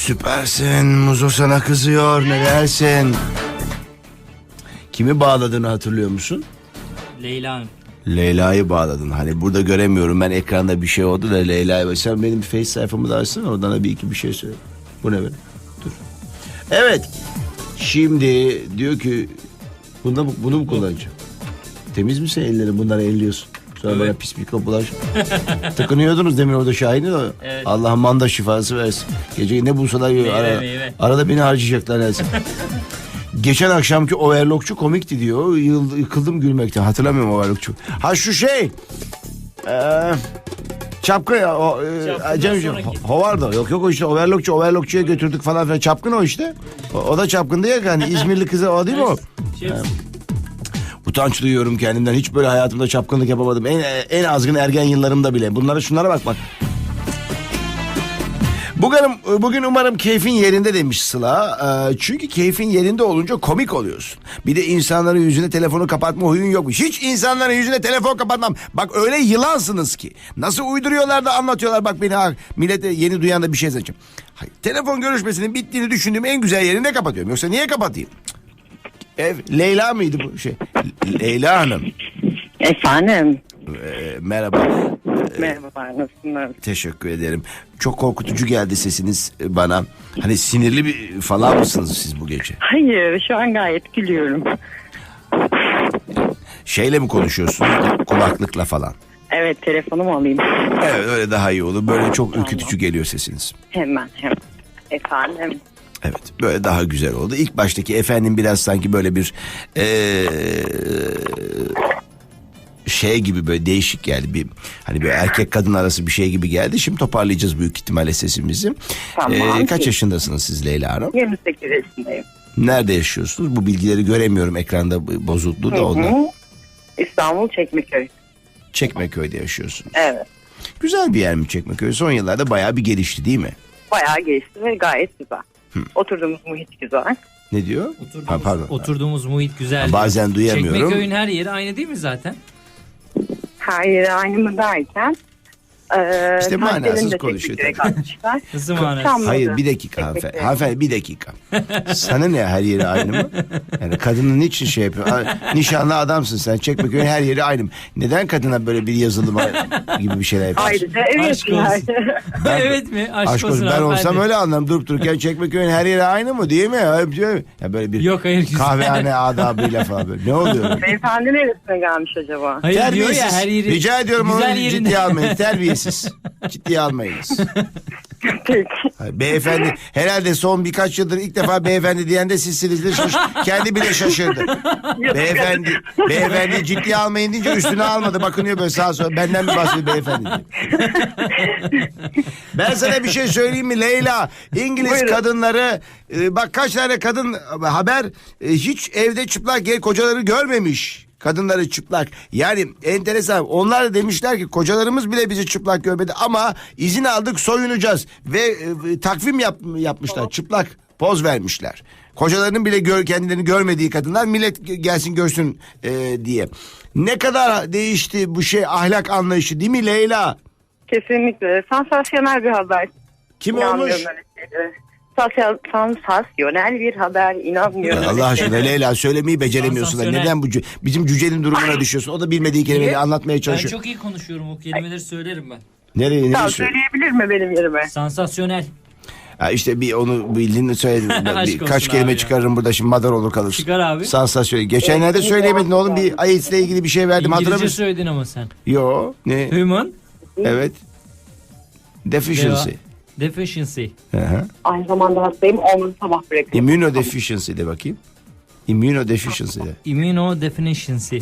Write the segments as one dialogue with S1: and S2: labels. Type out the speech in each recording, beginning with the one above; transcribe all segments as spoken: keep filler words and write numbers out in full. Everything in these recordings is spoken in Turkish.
S1: Süpersin. Muzo sana kızıyor. Ne dersin? Kimi bağladığını hatırlıyor musun?
S2: Leyla Hanım.
S1: Leyla'yı bağladın. Hani burada göremiyorum ben, ekranda bir şey oldu da Leyla'yı. Sen benim Face sayfamı da açsana, oradan da bir iki bir şey söyle. Bu ne be? Dur. Evet. Şimdi diyor ki bunda, bunu mu kullanacağım? Temiz misin ellerin? Bunları elliyorsun. Sonra
S2: Evet.
S1: böyle pis mikrop bulaş. Tıkınıyordunuz demin orada Şahin'i de.
S2: Evet.
S1: Allah manda şifası versin. Gece ne bulsalar yiyor.
S2: Meyve,
S1: Ara,
S2: meyve.
S1: arada beni harcayacaklar neredeyse. Geçen akşamki overlockçu komikti diyor. Yıl, yıkıldım gülmekten. Hatırlamıyorum overlockçu. Ha şu şey. Eee... Çapkın ya o e, Cemciğim, Hovardo. Yok yok o işte overlockçu overlockçuya götürdük falan filan. Çapkın o işte. O, o da çapkındı ya, hani İzmirli kızı o değil mi o?
S2: Şey,
S1: Ha. Utanç duyuyorum kendimden. Hiç böyle hayatımda çapkınlık yapamadım. En en azgın ergen yıllarımda bile. Bunlara şunlara bak bak. Bugün, bugün umarım keyfin yerinde demiş Sıla. Ee, çünkü keyfin yerinde olunca komik oluyorsun. Bir de insanların yüzüne telefonu kapatma huyun yokmuş. Hiç insanların yüzüne telefon kapatmam. Bak öyle yılansınız ki. Nasıl uyduruyorlar da anlatıyorlar. Bak beni ha, millete yeni duyan da bir şey seçeceğim. Hayır, telefon görüşmesinin bittiğini düşündüğüm en güzel yerinde kapatıyorum. Yoksa niye kapatayım? Ev, Leyla mıydı bu şey? Leyla Hanım.
S3: Efendim.
S1: Ee, merhaba.
S3: Merhaba, nasılsınız?
S1: Teşekkür ederim. Çok korkutucu geldi sesiniz bana. Hani sinirli bir falan mısınız siz bu gece?
S3: Hayır, şu an gayet gülüyorum.
S1: Şeyle mi konuşuyorsunuz? Kulaklıkla falan.
S3: Evet, telefonumu alayım.
S1: Evet, öyle daha iyi olur. Böyle çok ürkütücü geliyor sesiniz.
S3: Hemen, hemen. Efendim.
S1: Evet, böyle daha güzel oldu. İlk baştaki efendim biraz sanki böyle bir ee, şey gibi, böyle değişik geldi. Bir hani böyle erkek kadın arası bir şey gibi geldi. Şimdi toparlayacağız büyük ihtimalle sesimizi.
S3: Tamam.
S1: Ee, kaç yaşındasınız siz Leyla Hanım?
S3: yirmi sekiz yaşındayım.
S1: Nerede yaşıyorsunuz? Bu bilgileri göremiyorum ekranda, bozuldu da ondan.
S3: Hı hı. İstanbul Çekmeköy.
S1: Çekmeköy'de yaşıyorsunuz.
S3: Evet.
S1: Güzel bir yer mi Çekmeköy? Son yıllarda bayağı bir gelişti değil mi?
S3: Bayağı geçti ve gayet güzel. Hı. Oturduğumuz muhit güzel.
S1: Ne diyor?
S2: Oturduğumuz,
S1: Ha, pardon.
S2: oturduğumuz muhit güzel.
S1: Ha, bazen duyamıyorum.
S2: Çekmeköy'ün her yeri aynı değil mi zaten?
S3: Her yeri aynı mı derken? E,
S1: İşte manasız konuşuyor tabii.
S2: Nasıl manasız?
S3: Çamlıca.
S1: Hayır, bir dakika hanımefendi. Hanımefendi bir dakika. Sana ne, her yeri aynı mı? Yani kadının niçin şey yapıyor? Ha, nişanlı adamsın sen, Çekmeköy'ün her yeri aynı mı? Neden kadına böyle bir yazılım gibi bir şeyler yapıyorsun?
S3: Ayrıca evet
S2: Aşk
S3: yani.
S2: olsun.
S1: Ben-
S2: Evet mi? Aşk,
S1: Aşk olsun,
S2: olsun
S1: ben
S2: hanımefendi.
S1: olsam öyle anlarım. Durup dururken Çekmeköy'ün her yeri aynı mı değil mi? Öyle bir şey- Ya böyle bir
S2: Yok, hayır, güzel.
S1: kahvehane adabıyla falan böyle. Ne oluyor?
S3: Beyefendi neresine gelmiş acaba?
S2: Hayır diyor
S1: Terbiyesiz.
S2: ya, her yeri.
S1: Rica ediyorum
S2: güzel
S1: onu
S2: yerinde.
S1: ciddiye almayın. Terbiyesiz. Ciddiye almayınız.
S3: Peki.
S1: Hayır, beyefendi herhalde son birkaç yıldır ilk defa beyefendi diyen de sizsinizdir. Şaş- kendi bile şaşırdı. Beyefendi, beyefendi ciddiye almayın deyince üstüne almadı. Bakınıyor böyle sağa sola. Benden mi bahsediyor beyefendi diye. Ben sana bir şey söyleyeyim mi Leyla? İngiliz
S3: Buyurun.
S1: kadınları e, bak kaç tane kadın haber e, hiç evde çıplak gel kocaları görmemiş. Kadınları çıplak. Yani enteresan. Onlar da demişler ki kocalarımız bile bizi çıplak görmedi ama izin aldık, soyunacağız ve e, takvim yap, yapmışlar. Çıplak poz vermişler. Kocalarının bile gör, kendilerini görmediği kadınlar, millet gelsin görsün e, diye. Ne kadar değişti bu şey, ahlak anlayışı değil mi Leyla?
S3: Kesinlikle. Sansasyonel bir haber.
S1: Kim
S3: İnanmıyorum
S1: olmuş?
S3: öyle şeylere. Sansal- Sansasyonel bir haber. İnanmıyorum.
S1: Ya
S3: öyle
S1: Allah aşkına
S3: şeylere.
S1: Leyla, söylemeyi beceremiyorsun da
S2: Sansasyonel.
S1: neden bu cü- bizim cücenin durumuna düşüyorsun? O da bilmediği kelimeleri
S2: Niye?
S1: anlatmaya
S2: Ben
S1: çalışıyor.
S2: çok iyi konuşuyorum, o kelimeleri söylerim ben.
S1: Nereye nereye
S3: Tamam,
S1: söylüyor?
S3: söyleyebilir mi benim yerime?
S2: Sansasyonel.
S1: Ha işte bir onu bildiğini söyledim.
S2: Aşk
S1: Bir,
S2: olsun
S1: kaç kelime
S2: abi ya.
S1: çıkarırım burada, şimdi madar olur kalırsın.
S2: Çıkar abi.
S1: Sansasyon. Geçenlerde söyleyemedin oğlum, bir AIDS'le ilgili bir şey verdim, hatırlamıyor
S2: İngilizce
S1: musun?
S2: söyledin ama sen.
S1: Yo ne?
S2: Human
S1: Evet. Deficiency.
S2: deficiency.
S1: Hı hı.
S3: Aynı zamanda hastayım. Olmadı sabah bırakıyorum.
S1: Immunodeficiency de bakayım. Immunodeficiency de.
S2: Immunodeficiency.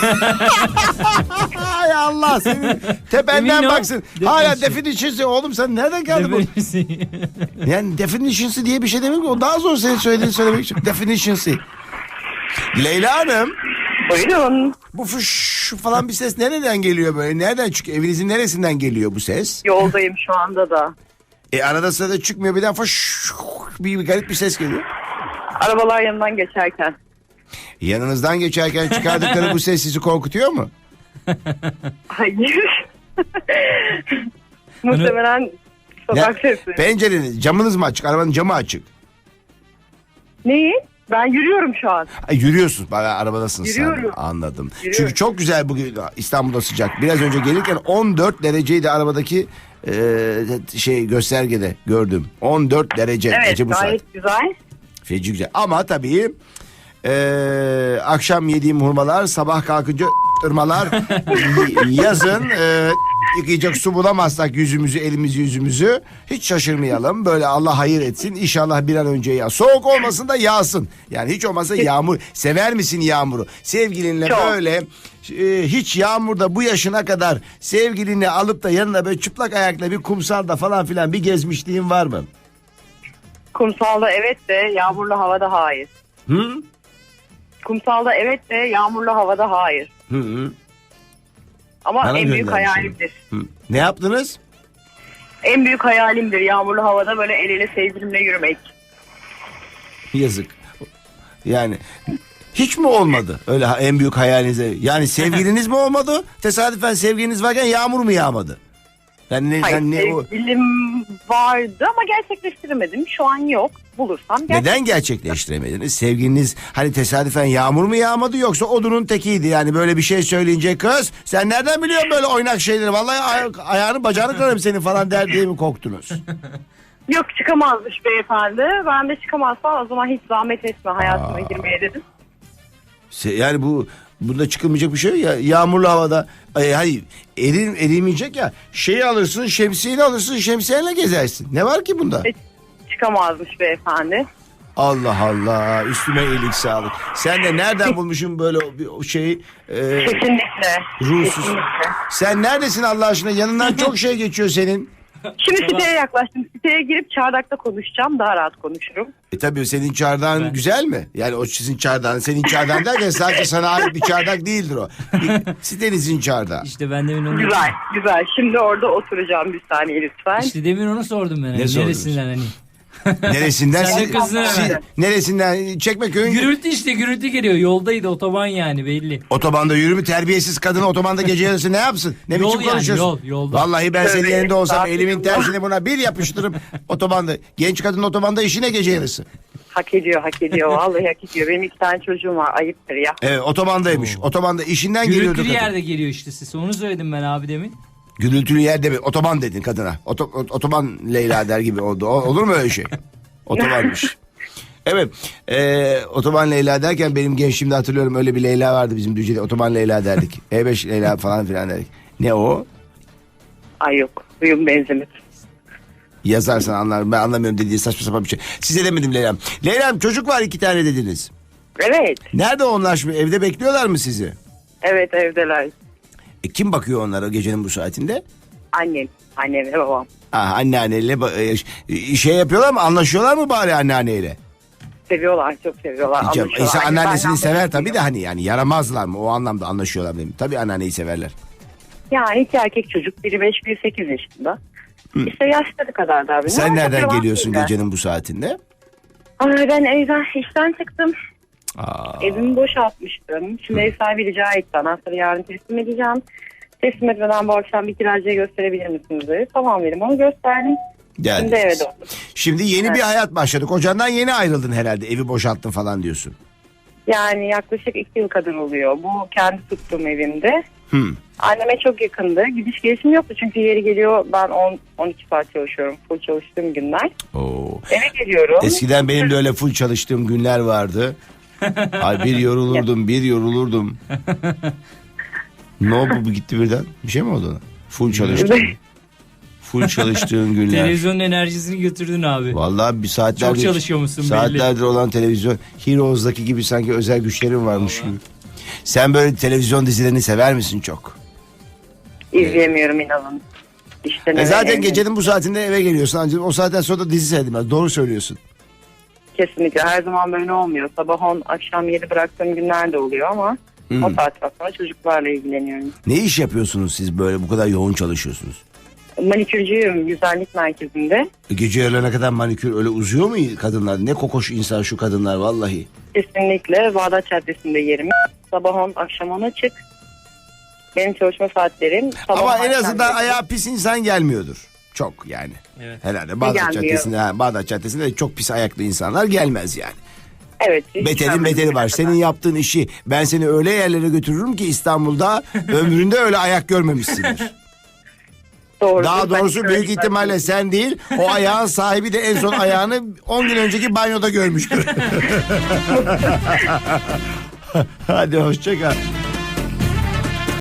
S1: Ay Allah seni tependen
S2: Immuno-
S1: baksın. Hala
S2: deficiency.
S1: deficiency oğlum, sen nereden geldin bu?
S2: Deficiency.
S1: Yani definition'sı diye bir şey demek mi? O daha zor senin söylediğini söylemek için. Definition'sı. Leyla Hanım,
S3: Buyurun.
S1: bu fış falan bir ses nereden geliyor böyle? Nereden çıkıyor? Evinizin neresinden geliyor bu ses?
S3: Yoldayım şu anda da.
S1: E arada sırada çıkmıyor, birden fış bir, bir garip bir ses geliyor.
S3: Arabalar yanından geçerken.
S1: Yanınızdan geçerken çıkardıkları bu ses sizi korkutuyor mu?
S3: Hayır. Muhtemelen Sokak
S1: Ne-
S3: sesi.
S1: Pencereniz, camınız mı açık? Arabanın camı açık.
S3: Neyi? Ben yürüyorum şu an.
S1: Ay, yürüyorsun. Bana arabadasın sen.
S3: Yürüyorum.
S1: Anladım.
S3: Yürüyorum.
S1: Çünkü çok güzel bugün İstanbul'da sıcak. Biraz önce gelirken on dört dereceydi arabadaki e, şey göstergede gördüm. on dört derece.
S3: Evet,
S1: Gece bu saat.
S3: gayet güzel.
S1: Feci güzel. Ama tabii e, akşam yediğim hurmalar, sabah kalkınca ırmalar, yazın e, yıkayacak su bulamazsak yüzümüzü, elimizi, yüzümüzü hiç şaşırmayalım. Böyle Allah hayır etsin. İnşallah bir an önce yağ. Soğuk olmasın da yağsın. Yani hiç olmazsa yağmur. Sever misin yağmuru? Sevgilinle
S3: Çok.
S1: böyle e, hiç yağmurda bu yaşına kadar sevgilini alıp da yanına böyle çıplak ayakla bir kumsalda falan filan bir gezmişliğin var mı?
S3: Kumsalda evet de yağmurlu havada hayır.
S1: Hı?
S3: Kumsalda evet de yağmurlu havada hayır.
S1: Hı hı.
S3: Ama
S1: Bana
S3: en büyük
S1: göndermiş
S3: hayalimdir.
S1: Hı. Ne yaptınız?
S3: En büyük hayalimdir yağmurlu havada böyle el ele sevgilimle yürümek.
S1: Yazık. Yani hiç mi olmadı öyle ha- en büyük hayalinize? Yani sevgiliniz mi olmadı? Tesadüfen sevgiliniz varken yağmur mu yağmadı? Yani ne,
S3: Hayır,
S1: sen ne o
S3: sevgilim vardı ama gerçekleştiremedim. Şu an yok. Bulursam gerçek.
S1: neden gerçekleştiremediniz? Sevgiliniz hani tesadüfen yağmur mu yağmadı yoksa odunun tekiydi yani böyle bir şey söyleyince kız sen nereden biliyorsun böyle oynak şeyleri? Vallahi ay- ayağını bacağını kırarım senin falan der diye mi korktunuz?
S3: Yok çıkamazmış beyefendi. Ben de çıkamazsam o zaman hiç zahmet etme hayatıma
S1: Aa.
S3: girmeye dedim.
S1: Se- Yani bu bunda çıkılmayacak bir şey yok ya yağmurlu havada ay, hayır erim, erimeyecek ya şeyi alırsın şemsiyeni alırsın şemsiyenle gezersin ne var ki bunda?
S3: Hiç çıkamazmış beyefendi.
S1: Allah Allah üstüme iyilik sağlık. Sen de nereden bulmuşsun böyle o- bir o şeyi e,
S3: Kesinlikle.
S1: ruhsuz.
S3: Kesinlikle.
S1: Sen neredesin Allah aşkına yanından çok şey geçiyor senin.
S3: Şimdi siteye yaklaştım. Siteye girip çardakta konuşacağım. Daha rahat konuşurum.
S1: E tabii senin çardağın
S2: Ben-
S1: güzel mi? Yani o sizin çardağın senin çardağın derken sadece sana ait bir çardak değildir o. Bir sitenizin çardağı.
S2: İşte ben demin onu
S3: Güzel, güzel. Şimdi orada oturacağım bir saniye lütfen.
S2: İşte demin onu sordum ben. Hani.
S1: sordunuz?
S2: Neresinden hani?
S1: Neresinden?
S2: Sen de
S1: Siz-
S2: kızdın
S1: siz-
S2: hemen.
S1: neresinden? Çekmeköy'ün
S2: Gürültü işte gürültü geliyor. Yoldaydı otoban yani belli.
S1: otobanda yürümü terbiyesiz kadın otobanda gece yarısı ne yapsın? Ne
S2: Yol
S1: biçim
S2: yani,
S1: konuşuyorsun?
S2: yol, yolda.
S1: Vallahi ben senin
S3: Tövbe
S1: yerinde olsam elimin
S3: estağfurullah.
S1: tersini buna bir yapıştırıp otobanda. Genç kadın otobanda işine gece yarısı.
S3: Hak ediyor, hak ediyor. Vallahi hak ediyor. Benim iki tane çocuğum var. Ayıptır ya.
S1: Evet otobandaymış. Otobanda işinden geliyordu
S2: Gürültülü
S1: kadın.
S2: yerde geliyor işte ses. Onu söyledim ben abi demin.
S1: Gürültülü yerde mi? Otoban dedin kadına. Oto, ot- otoban Leyla der gibi oldu. O- olur mu öyle şey? Otobanmış. Evet. E, otoban Leyla derken benim gençliğimde hatırlıyorum öyle bir Leyla vardı bizim Düzce'de. Otoban Leyla derdik. E beş Leyla falan filan derdik. Ne o?
S3: Ay yok. Uyum benzemez.
S1: Yazarsan anlarım. Ben anlamıyorum dediği saçma sapan bir şey. Size demedim Leyla'm. Leyla'm çocuk var iki tane dediniz.
S3: Evet.
S1: Nerede onlar şimdi? Evde bekliyorlar mı sizi?
S3: Evet evdeler.
S1: E, kim bakıyor onlara gecenin bu saatinde?
S3: Annem. Annem ve babam.
S1: Ah, anneanneyle ba- e, şey yapıyorlar mı? Anlaşıyorlar mı bari anneanneyle?
S3: Seviyorlar. Çok seviyorlar.
S1: Canım,
S3: Anlaşıyorlar.
S1: insan
S3: Annem
S1: anneannesini
S3: benden
S1: sever
S3: bahsediyor.
S1: tabii de hani yani yaramazlar mı? O anlamda anlaşıyorlar dedim. Tabii anneanneyi severler.
S3: Yani iki erkek çocuk. Biri beş, biri sekiz yaşında. İşte yaşları kadar da.
S1: Sen nereden geliyorsun gecenin bu saatinde?
S3: Ay, ben evden işten çıktım.
S1: Aa,
S3: Evimi boşaltmıştım. Şimdi ev sahibi rica etti. Anahtarı yarın teslim edeceğim. Teslim etmeden bu akşam bir kiracıya gösterebilir misiniz dedi. Tamam dedim onu gösterdim.
S1: geldiniz.
S3: Şimdi eve döndüm.
S1: Şimdi yeni
S3: Evet.
S1: bir hayat başladı. Kocandan yeni ayrıldın herhalde. Evi boşalttın falan diyorsun.
S3: Yani yaklaşık iki yıl kadar oluyor. Bu kendi tuttuğum evimde.
S1: Hmm.
S3: Anneme çok yakındı. Gidiş gelişim yoktu çünkü yeri geliyor ben on on iki saat çalışıyorum. Full çalıştığım günler.
S1: Oo.
S3: Eve geliyorum.
S1: Eskiden benim de öyle full çalıştığım günler vardı. Ay bir yorulurdum, bir yorulurdum. Ne oldu bu gitti birden? Bir şey mi oldu ona? Full çalıştım. Full çalıştığın günler.
S2: Televizyonun enerjisini götürdün abi.
S1: Vallahi bir saatlerdir.
S2: Çok çalışıyormuşsun belli.
S1: Saatlerdir olan televizyon. Heroes'daki gibi sanki özel güçlerin varmış gibi. Sen böyle televizyon dizilerini sever misin çok?
S3: İzleyemiyorum inanın. İşte
S1: E zaten gecenin bu saatinde eve geliyorsun. Ancak o saatten sonra da dizi seyredilmez. Doğru söylüyorsun.
S3: Kesinlikle her zaman böyle olmuyor. Sabah on akşam yedi bıraktığım günler de oluyor ama
S1: Hmm.
S3: o saatten sonra çocuklarla ilgileniyorum.
S1: Ne iş yapıyorsunuz siz böyle bu kadar yoğun çalışıyorsunuz?
S3: Manikürcüyüm güzellik merkezinde.
S1: E gece yarılarına kadar manikür öyle uzuyor mu kadınlar? Ne kokoş insan şu kadınlar vallahi.
S3: Kesinlikle Bağdat Caddesi'nde yerim. Sabah on akşam on açık. Benim çalışma saatlerim sabah
S1: Ama en
S3: akşam
S1: azından
S3: yedi.
S1: ayağı pis insan gelmiyordur. Çok yani.
S2: Evet.
S1: Herhalde Bağdat
S3: Gelmiyor.
S1: Caddesi'nde, ha, Bağdat Caddesi'nde de çok pis ayaklı insanlar gelmez yani.
S3: Evet. hiç
S1: Beterin
S3: görmedim
S1: beteri var.
S3: bugüne
S1: Senin
S3: kadar.
S1: yaptığın işi ben seni öyle yerlere götürürüm ki İstanbul'da ömründe öyle ayak görmemişsindir.
S3: Doğru.
S1: Daha
S3: Ben
S1: doğrusu
S3: şöyle
S1: büyük ihtimalle sen değil, o ayağın sahibi de en son ayağını on gün önceki banyoda görmüştür. Hadi hoşça kal.